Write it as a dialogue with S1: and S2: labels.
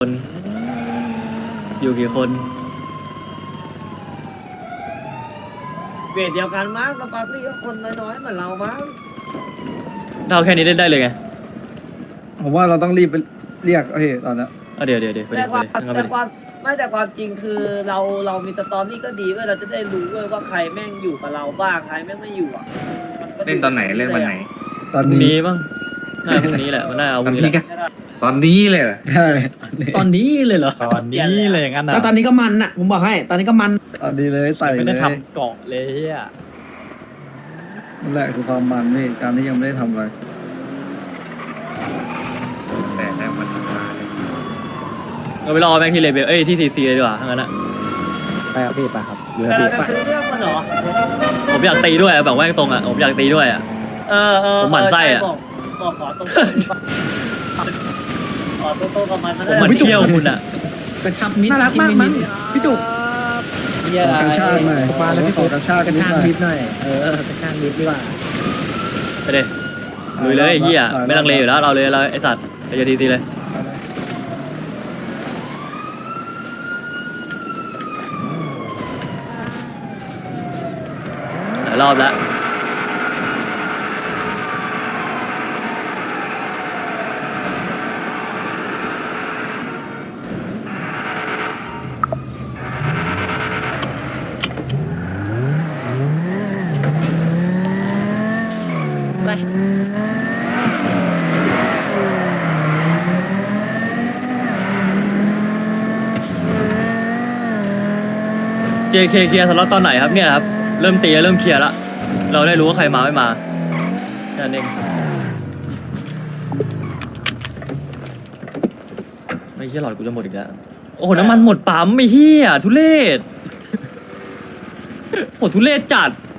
S1: อยู่กี่คน
S2: เวทเดียวกันมั้งสปาร์คลี่ก็คนน้อยๆเหมือนเรามั้ง
S1: ถ้าเอาแค่นี้เล่นได้เลยไง
S3: ผมว่าเราต้องรีบไปเรียกตอนนี้
S1: เดี๋ยวไป
S2: แต่
S1: ดิ
S2: ความ
S1: ไปดิ
S2: แต่ความไม่แต่ความจริงคือเรามีสตอรี่ก็ดีเว้ยเราจะได้รู้เว้ยว่าใครแม่งอยู่กับเราบ้างใครแม่งไม่อยู่อ่ะมัก็
S4: เล่นตอนไหนเล่นวันไหน
S3: ตอน
S1: พรุ่ง
S3: นี้
S1: นี้บ้างน่าพรุ่งนี้แหละมันน่าเอาพ
S4: ตอ
S1: รุ่
S4: น
S1: งนี้แห
S4: นี้
S1: ละ
S4: ก็ตอนนี้เลยเหรอ
S3: ใช่
S1: ตอนนี้เลยเหรอ
S5: ตอนนี้เลยงั้น
S6: แล้วตอนนี้ก็มันอ่ะผมบอกให้ตอนนี้ก็มัน
S3: ตอนนี้เลยใส่
S5: ไม่
S3: เล
S5: ได้
S3: ย
S5: ทำเกาะเลยอ่ะ
S3: นั่นแหละคือความมันนี่การที่ยังไม่ได้ทำอะไร
S4: แต่ได้มันมาเลย
S1: เราไปรอแม็กที่เลเบลที่ซีซีเลยดีกว่าทั้งนั้นอะ
S6: ไปครับพี่ไปครับอยู่
S2: แต่
S6: พี่
S2: เราจะ
S6: ไป
S2: ซื้อเรื่องมันเหรอ
S1: ผมอยากตีด้วยแบบแม่งตรงอะผมอยากตีด้วยอะ ผมหมั่นไส้อะ
S2: บอกขอตรงขอตรงกับมัน
S1: ผมมันเที่ยวคุณอะ
S6: กระชับมิตรน่ารักมากมั้งพี่จุก
S3: ขอกระชากหน่อย
S6: มาแล้วพี่
S3: ขอกระชากกันนิดหน่อย
S6: มิตรหน่อยกระชากมิตรดีกว่า
S1: ไปเลยลุยเลยไอ้เหี้ยไม่ลังเลอยู่แล้วเราเลยเราไอสัตว์ไปจะดีซีเลยหลายรอบแล้ว JK เคลียร์สล็อตตอนไหนครับเนี่ยครับเริ่มตีเริ่มเคลียร์ละเราได้รู้ว่าใครมาไม่มาแค่นั้นเองไม่เชี่ยหลอดกูจะหมดอีกแล้วโอ้โหน้ำมันหมดปั๊มไม่เฮียทุเรศโหทุเรศจัด